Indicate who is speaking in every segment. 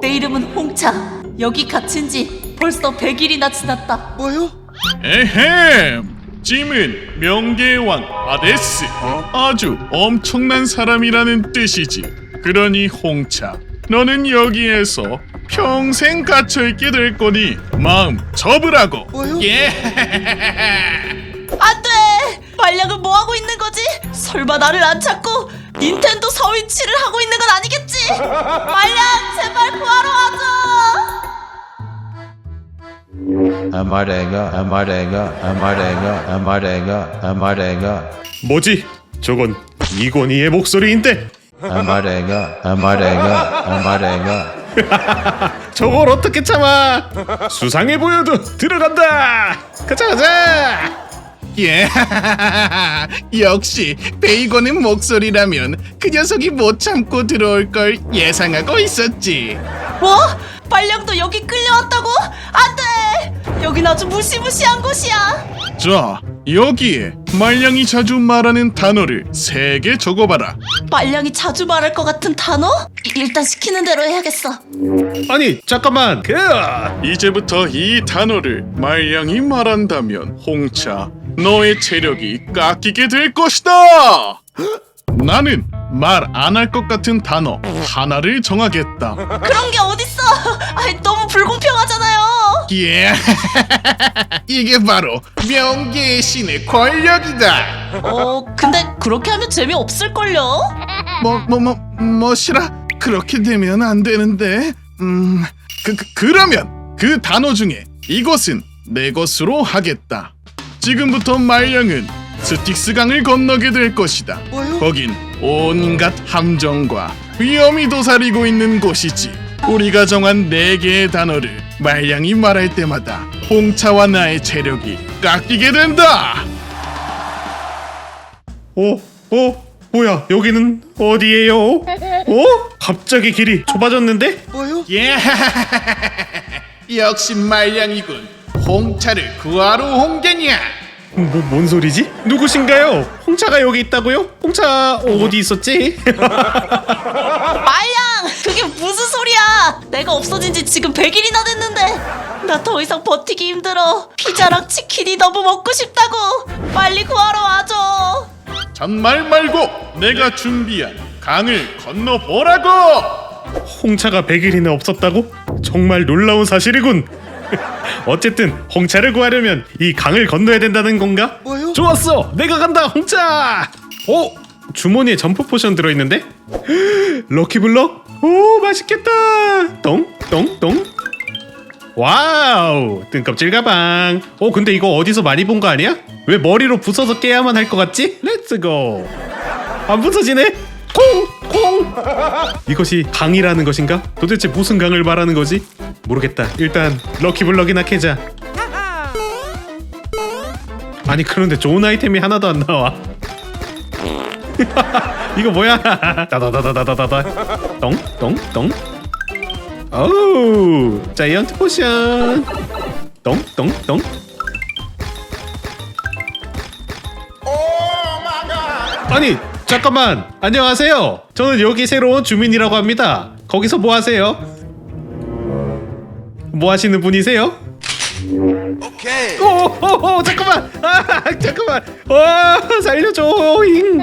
Speaker 1: 내 이름은 홍차. 여기 갇힌 지 벌써 100일이나 지났다.
Speaker 2: 뭐요?
Speaker 3: 에헴! 짐은 명계의 왕 하데스. 아주 엄청난 사람이라는 뜻이지. 그러니 홍차, 너는 여기에서 평생 갇혀있게 될 거니 마음 접으라고.
Speaker 2: 뭐요?
Speaker 3: 예.
Speaker 1: 안 돼! 말량은 뭐 하고 있는 거지? 설마 나를 안 찾고 닌텐도 서위치를 하고 있는 건 아니겠지? 말량, 제발 구하러 와줘!
Speaker 4: 아마레가
Speaker 5: 뭐지? 저건 이건희의 목소리인데
Speaker 4: 아마레가
Speaker 5: 저걸 어떻게 참아? 수상해 보여도 들어간다. 가자.
Speaker 3: 예. 역시 베이건의 목소리라면 그 녀석이 못 참고 들어올 걸 예상하고 있었지.
Speaker 1: 뭐? 말량도 여기 끌려왔다고? 안 돼! 여긴 아주 무시무시한 곳이야.
Speaker 3: 자, 여기에 말량이 자주 말하는 단어를 3개 적어봐라.
Speaker 1: 말량이 자주 말할 것 같은 단어? 일단 시키는 대로 해야겠어.
Speaker 5: 아니 잠깐만.
Speaker 3: 이제부터 이 단어를 말량이 말한다면 홍차, 너의 체력이 깎이게 될 것이다. 나는 말 안 할 것 같은 단어 하나를 정하겠다.
Speaker 1: 그런 게 어딨어! 아이, 너무 불공평하잖아요.
Speaker 3: 예. 이게 바로 명계의 신의 권력이다.
Speaker 1: 근데 그렇게 하면 재미없을걸요?
Speaker 3: 뭐시라? 그렇게 되면 안 되는데. 그러면 그 단어 중에 이것은 내 것으로 하겠다. 지금부터 말량은 스틱스 강을 건너게 될 것이다.
Speaker 2: 뭐요?
Speaker 3: 거긴 온갖 함정과 위험이 도사리고 있는 곳이지. 우리가 정한 4개의 단어를 말량이 말할 때마다 홍차와 나의 체력이 깎이게 된다.
Speaker 5: 뭐야? 여기는 어디예요? 갑자기 길이 좁아졌는데?
Speaker 2: 뭐요?
Speaker 3: 예. 역시 말량이군. 홍차를 구하러 온 게냐?
Speaker 5: 뭔 소리지? 누구신가요? 홍차가 여기 있다고요? 홍차 어디 있었지?
Speaker 1: 말량! 그게 무슨 소리야! 내가 없어진 지 지금 100일이나 됐는데 나 더 이상 버티기 힘들어. 피자랑 치킨이 너무 먹고 싶다고. 빨리 구하러 와줘.
Speaker 3: 잔말 말고 내가 준비한 강을 건너보라고.
Speaker 5: 홍차가 100일이나 없었다고? 정말 놀라운 사실이군. 어쨌든 홍차를 구하려면 이 강을 건너야 된다는 건가?
Speaker 2: 뭐요?
Speaker 5: 좋았어! 내가 간다 홍차! 주머니에 점프 포션 들어있는데? 럭키블럭? 오 맛있겠다! 똥똥똥 와우! 뜬껍질 가방. 근데 이거 어디서 많이 본 거 아니야? 왜 머리로 부숴서 깨야만 할 것 같지? 렛츠고! 안 부서지네? 콩! 이것이 강이라는 것인가? 도대체 무슨 강을 말하는 거지? 모르겠다. 일단 럭키블럭이나 캐자. 아니 그런데 좋은 아이템이 하나도 안 나와. 이거 뭐야? 따다다다다다다. 똥똥똥. 오우 자이언트 포션. 똥똥똥. 아니 잠깐만. 안녕하세요. 저는 여기 새로운 주민이라고 합니다. 거기서 뭐 하세요? 뭐 하시는 분이세요?
Speaker 2: 오케이.
Speaker 5: 오 잠깐만. 잠깐만. 살려줘.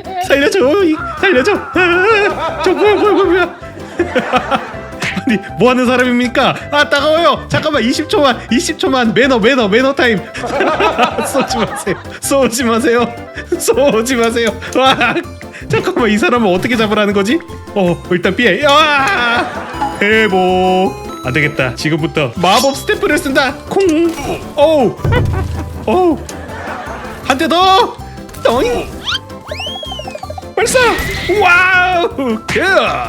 Speaker 5: 살려줘. 저 뭐야. 아니 뭐 하는 사람입니까? 따가워요. 잠깐만 20초만 매너 타임. 쏘지 마세요. 와 잠깐만 이 사람을 어떻게 잡으라는 거지? 일단 피해. 회복. 안 되겠다. 지금부터 마법 스탬프를 쓴다. 콩. 한 대 더. 떠잉. 발사. 와우. 굿.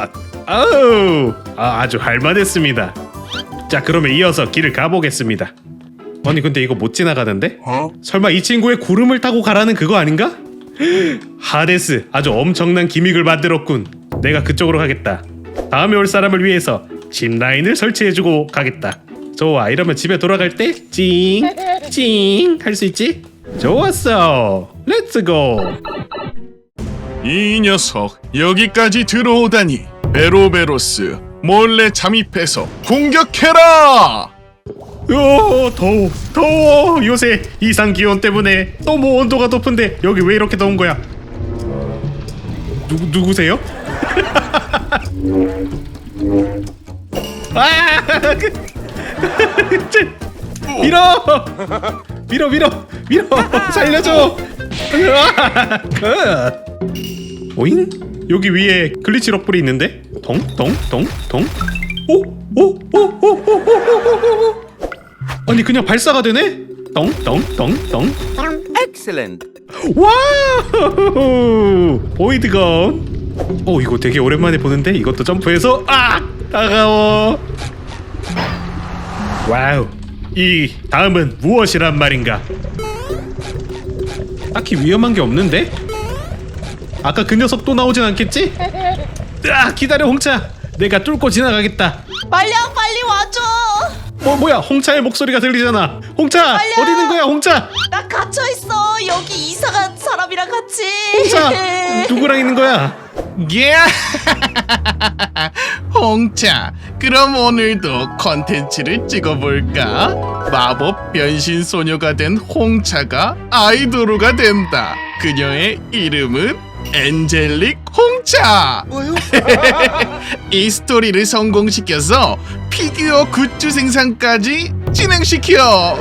Speaker 5: 아주 할만했습니다. 자 그러면 이어서 길을 가보겠습니다. 아니 근데 이거 못 지나가는데? 설마 이 친구의 구름을 타고 가라는 그거 아닌가? 하데스 아주 엄청난 기믹을 만들었군. 내가 그쪽으로 가겠다. 다음에 올 사람을 위해서 짚라인을 설치해주고 가겠다. 좋아 이러면 집에 돌아갈 때 찡 할 수 있지? 좋았어. 렛츠고.
Speaker 3: 이 녀석 여기까지 들어오다니. 베로베로스, 몰래 잠입해서 공격해라.
Speaker 5: 더워. 요새 이상 기온 때문에 너무 온도가 높은데 여기 왜 이렇게 더운 거야? 누구세요? 아! 밀어 살려줘. 오잉? 여기 위에 글리치 럭불이 있는데? 덩? 오. 아니 그냥 발사가 되네? 덩.
Speaker 2: Excellent.
Speaker 5: 와우! 보이드건. 이거 되게 오랜만에 보는데 이것도 점프해서 따가워. 와우. 이 다음은 무엇이란 말인가? 딱히 위험한 게 없는데? 아까 그 녀석 또 나오진 않겠지? 기다려 홍차. 내가 뚫고 지나가겠다.
Speaker 1: 말량 빨리 와줘.
Speaker 5: 뭐야? 홍차의 목소리가 들리잖아. 홍차
Speaker 1: 빨려!
Speaker 5: 어디 있는 거야 홍차?
Speaker 1: 나 갇혀 있어. 여기 이상한 사람이랑 같이.
Speaker 5: 홍차 누구랑 있는 거야?
Speaker 3: 예. 홍차, 그럼 오늘도 컨텐츠를 찍어볼까? 마법 변신 소녀가 된 홍차가 아이돌로가 된다. 그녀의 이름은 엔젤릭 홍차.
Speaker 2: 뭐요?
Speaker 3: 이 스토리를 성공시켜서 피규어 굿즈 생산까지 진행시켜.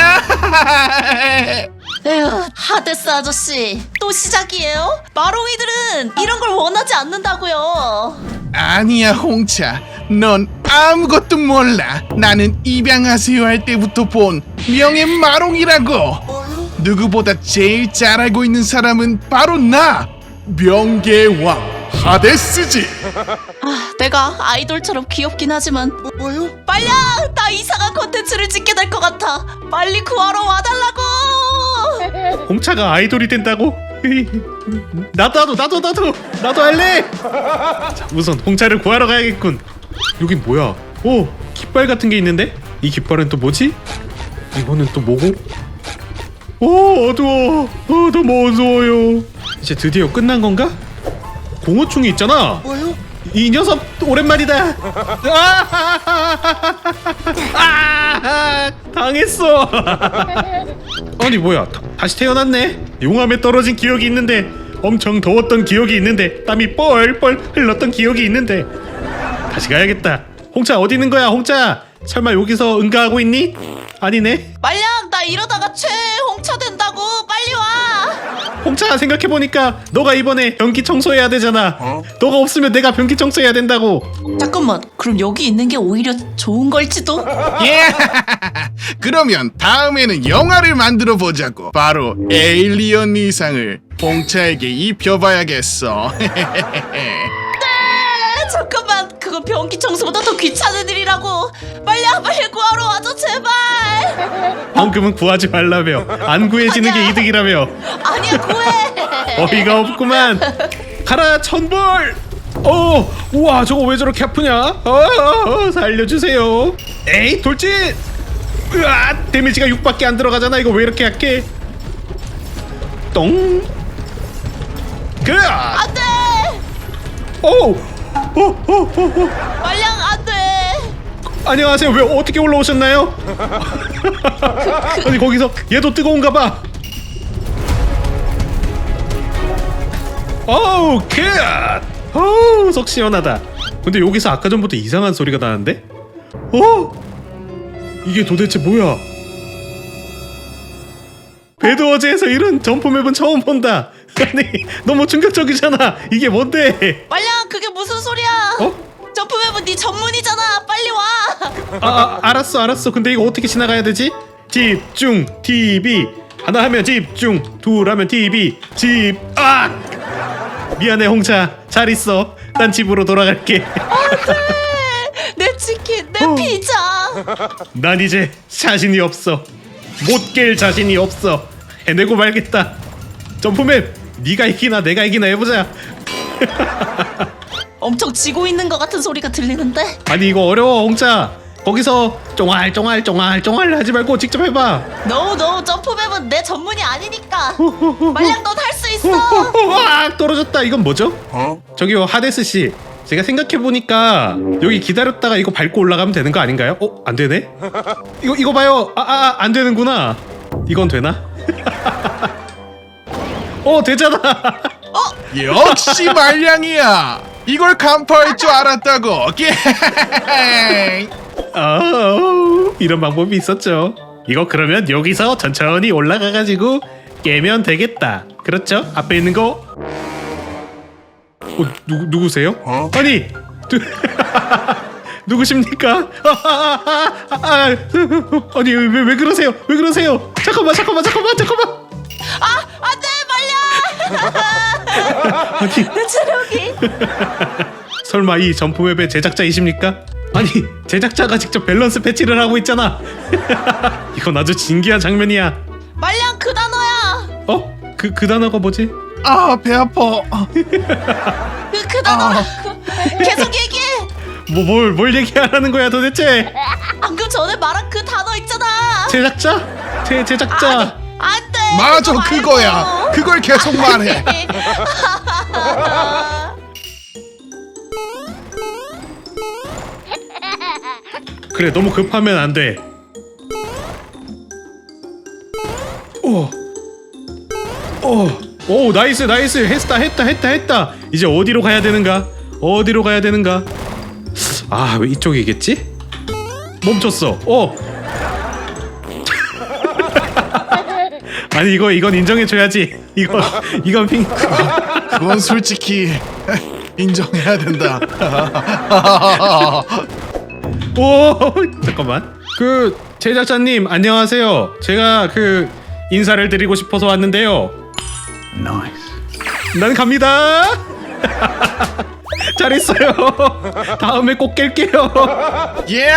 Speaker 1: 에휴, 하데스 아저씨 또 시작이에요? 마롱이들은 이런 걸 원하지 않는다고요.
Speaker 3: 아니야 홍차, 넌 아무것도 몰라. 나는 입양하세요 할 때부터 본 명예 마롱이라고. 누구보다 제일 잘 알고 있는 사람은 바로 나, 명계왕 하데스지.
Speaker 1: 내가 아이돌처럼 귀엽긴 하지만
Speaker 2: 뭐요?
Speaker 1: 빨량! 나 이상한 콘텐츠를 찍게 될 것 같아. 빨리 구하러 와달라고.
Speaker 5: 홍차가 아이돌이 된다고? 나도 할래. 자, 우선 홍차를 구하러 가야겠군. 여긴 뭐야? 오, 깃발 같은 게 있는데? 이 깃발은 또 뭐지? 이거는 또 뭐고? 오, 어두워. 너무 어두워요. 이제 드디어 끝난 건가? 공허충이 있잖아.
Speaker 2: 뭐요?
Speaker 5: 이 녀석 오랜만이다. 당했어. 아니 뭐야? 다시 태어났네. 용암에 떨어진 기억이 있는데, 엄청 더웠던 기억이 있는데, 땀이 뻘뻘 흘렀던 기억이 있는데. 다시 가야겠다. 홍차 어디 있는 거야? 홍차 설마 여기서 응가하고 있니? 아니네.
Speaker 1: 빨량! 나 이러다가 최홍차 된다고. 빨리 와.
Speaker 5: 홍차 생각해보니까 너가 이번에 변기 청소해야 되잖아. 너가 없으면 내가 변기 청소해야 된다고.
Speaker 1: 잠깐만, 그럼 여기 있는 게 오히려 좋은 걸지도?
Speaker 3: 예. 그러면 다음에는 영화를 만들어 보자고. 바로 에일리언 이상을 홍차에게 입혀봐야겠어.
Speaker 1: 잠깐만, 그건 변기 청소보다 더 귀찮은 일이라고. 빨리 구하러 와줘 제발.
Speaker 5: 방금은 구하지 말라며, 안 구해지는 게 이득이라며.
Speaker 1: 아니야, 구해.
Speaker 5: 어이가 없구만. 가라 천벌. 우와, 저거 왜 저렇게 아프냐? 살려주세요. 에이 돌진. 으아, 데미지가 6밖에 안 들어가잖아. 이거 왜 이렇게 약해? 똥. 그아.
Speaker 1: 안돼. 빨량 안돼.
Speaker 5: 안녕하세요. 왜 어떻게 올라오셨나요? 아니 거기서 얘도 뜨거운가 봐. 속 시원하다. 근데 여기서 아까 전부터 이상한 소리가 나는데? 이게 도대체 뭐야? 배드워즈에서 이런 점프맵은 처음 본다. 아니 너무 충격적이잖아. 이게 뭔데?
Speaker 1: 빨량, 그게 무슨 소리야? 점프맵은 네 전문이잖아. 빨리 와.
Speaker 5: 알았어. 근데 이거 어떻게 지나가야 되지? 집중 TV. 하나 하면 집중, 둘 하면 TV. 미안해 홍차. 잘 있어. 난 집으로 돌아갈게.
Speaker 1: 내 치킨, 내 피자.
Speaker 5: 난 이제 자신이 없어. 못 깰 자신이 없어. 해내고 말겠다. 점프맵, 네가 이기나 내가 이기나 해보자.
Speaker 1: 엄청 지고 있는 것 같은 소리가 들리는데?
Speaker 5: 아니 이거 어려워 홍차. 거기서 쫑알쫑알 하지 말고 직접 해봐.
Speaker 1: No, 점프맵은 내 전문이 아니니까. 빨량, 넌 할 수 있어.
Speaker 5: 떨어졌다. 이건 뭐죠? 저기요 하데스 씨, 제가 생각해보니까 여기 기다렸다가 이거 밟고 올라가면 되는 거 아닌가요? 안 되네? 이거 봐요. 안 되는구나. 이건 되나? 되잖아.
Speaker 3: 역시 말량이야. 이걸 간파할 줄 알았다고.
Speaker 5: 이런 방법이 있었죠. 이거 그러면 여기서 천천히 올라가가지고 깨면 되겠다. 그렇죠? 앞에 있는 거. 누구세요? 아니 누구십니까? 아니 왜 그러세요? 왜 그러세요? 잠깐만.
Speaker 1: 안돼 말량.
Speaker 5: 아니
Speaker 1: 내 체력이.
Speaker 5: 설마 이 점프맵의 제작자이십니까? 아니 제작자가 직접 밸런스 패치를 하고 있잖아. 이건 아주 진기한 장면이야.
Speaker 1: 말량 그 단어야.
Speaker 5: 그 단어가 뭐지?
Speaker 3: 아, 배 아파.
Speaker 1: 그 단어. 계속 얘기해.
Speaker 5: 뭘 얘기하라는 거야 도대체?
Speaker 1: 방금 전에 말한 그 단어 있잖아.
Speaker 5: 제작자? 제작자.
Speaker 1: 안돼.
Speaker 3: 맞아, 그거야. 그걸 계속 말해.
Speaker 5: 그래 너무 급하면 안 돼. 오 나이스 했다. 이제 어디로 가야 되는가? 아 왜 이쪽이겠지? 멈췄어. 아니 이건 인정해줘야지. 이건 핑.
Speaker 3: 그건 솔직히 인정해야 된다.
Speaker 5: 잠깐만. 그 제작자님 안녕하세요. 제가 그 인사를 드리고 싶어서 왔는데요. 난 갑니다. 잘했어요. 다음에 꼭 깰게요.
Speaker 3: 예!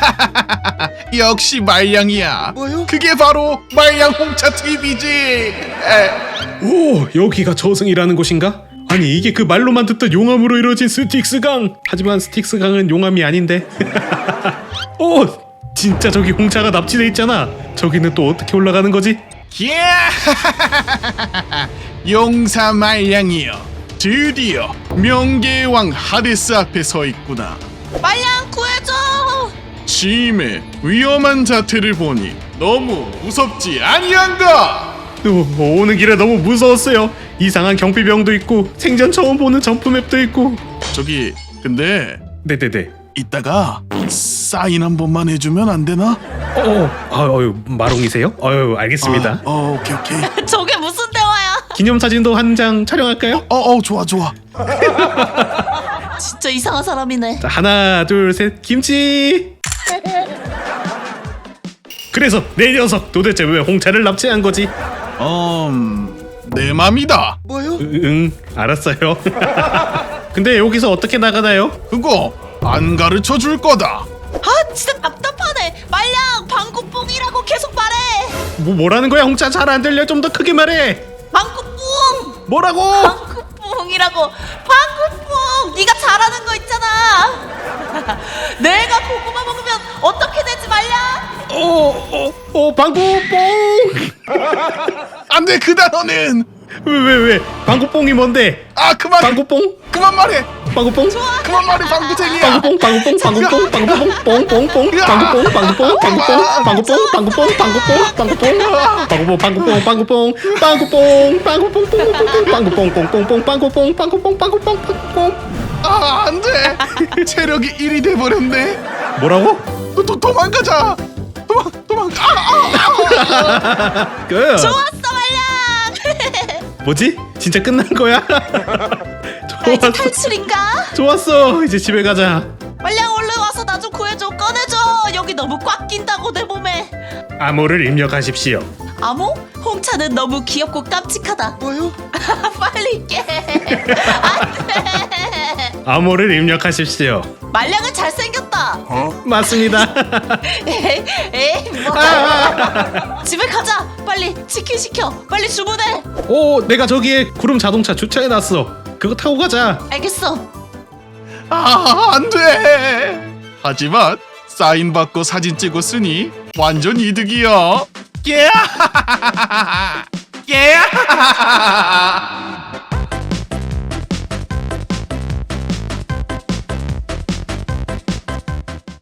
Speaker 3: 역시 말량이야.
Speaker 2: 뭐요?
Speaker 3: 그게 바로 말량 홍차 TV지.
Speaker 5: 오 여기가 저승이라는 곳인가? 아니 이게 그 말로만 듣던 용암으로 이루어진 스틱스강. 하지만 스틱스강은 용암이 아닌데. 오 진짜 저기 홍차가 납치돼 있잖아. 저기는 또 어떻게 올라가는 거지?
Speaker 3: 예! 용사 말량이여. 드디어 명계의 왕 하데스 앞에 서 있구나.
Speaker 1: 말량 구해줘.
Speaker 3: 짐의 위험한 자태를 보니 너무 무섭지 아니한가?
Speaker 5: 오는 길에 너무 무서웠어요. 이상한 경비병도 있고 생전 처음 보는 점프맵도 있고.
Speaker 3: 저기 근데
Speaker 5: 네네네.
Speaker 3: 이따가 사인 한 번만 해주면 안 되나?
Speaker 5: 마롱이세요? 알겠습니다.
Speaker 3: 오케이.
Speaker 1: 저게 무슨 대화야?
Speaker 5: 기념사진도 한 장 촬영할까요?
Speaker 3: 좋아.
Speaker 1: 진짜 이상한 사람이네.
Speaker 5: 자, 하나 둘 셋 김치. 그래서 내 녀석 도대체 왜 홍차를 납치한 거지?
Speaker 3: 내 맘이다.
Speaker 2: 뭐요?
Speaker 5: 응 알았어요. 근데 여기서 어떻게 나가나요?
Speaker 3: 그거 안 가르쳐 줄 거다.
Speaker 1: 아 진짜 답답하네. 말량 방구뽕이라고 계속 말해.
Speaker 5: 뭐라는 거야? 홍차 잘 안 들려. 좀 더 크게 말해.
Speaker 1: 방구뽕.
Speaker 5: 뭐라고?
Speaker 1: 방구뽕이라고. 방구뽕. 네가 잘하는 거 있잖아. 내가 고구마 먹으면 어떻게 되지 말량?
Speaker 5: 방구뽕.
Speaker 3: 안 돼, 그 단어는.
Speaker 5: 왜? 방구뽕이 뭔데?
Speaker 3: 그만.
Speaker 5: 방구뽕?
Speaker 3: 그만 말해.
Speaker 5: 방구뽕?
Speaker 3: 그만 말해, 방구쟁이야.
Speaker 5: 방구뽕
Speaker 3: 안 돼. 체력이 1이 돼버렸네.
Speaker 5: 뭐라고?
Speaker 3: 도망가자. 도망가.
Speaker 1: 좋았어 말량.
Speaker 5: 뭐지? 진짜 끝난 거야?
Speaker 1: 이제 탈출인가?
Speaker 5: 좋았어. 이제 집에 가자.
Speaker 1: 말량 얼른 와서 나 좀 구해줘. 꺼내줘. 여기 너무 꽉 낀다고 내 몸에.
Speaker 5: 암호를 입력하십시오.
Speaker 1: 암호? 홍차는 너무 귀엽고 깜찍하다.
Speaker 2: 뭐요?
Speaker 1: 빨리 깨. 안돼.
Speaker 5: 암호를 입력하십시오.
Speaker 1: 말량은 잘생겼다.
Speaker 5: 맞습니다.
Speaker 1: 에이 뭐. 집에 가자. 빨리 치킨 시켜. 빨리 주문해.
Speaker 5: 내가 저기에 구름 자동차 주차해놨어. 그거 타고 가자.
Speaker 1: 알겠어.
Speaker 3: 안 돼. 하지만 사인 받고 사진 찍었으니 완전 이득이야. 깨야.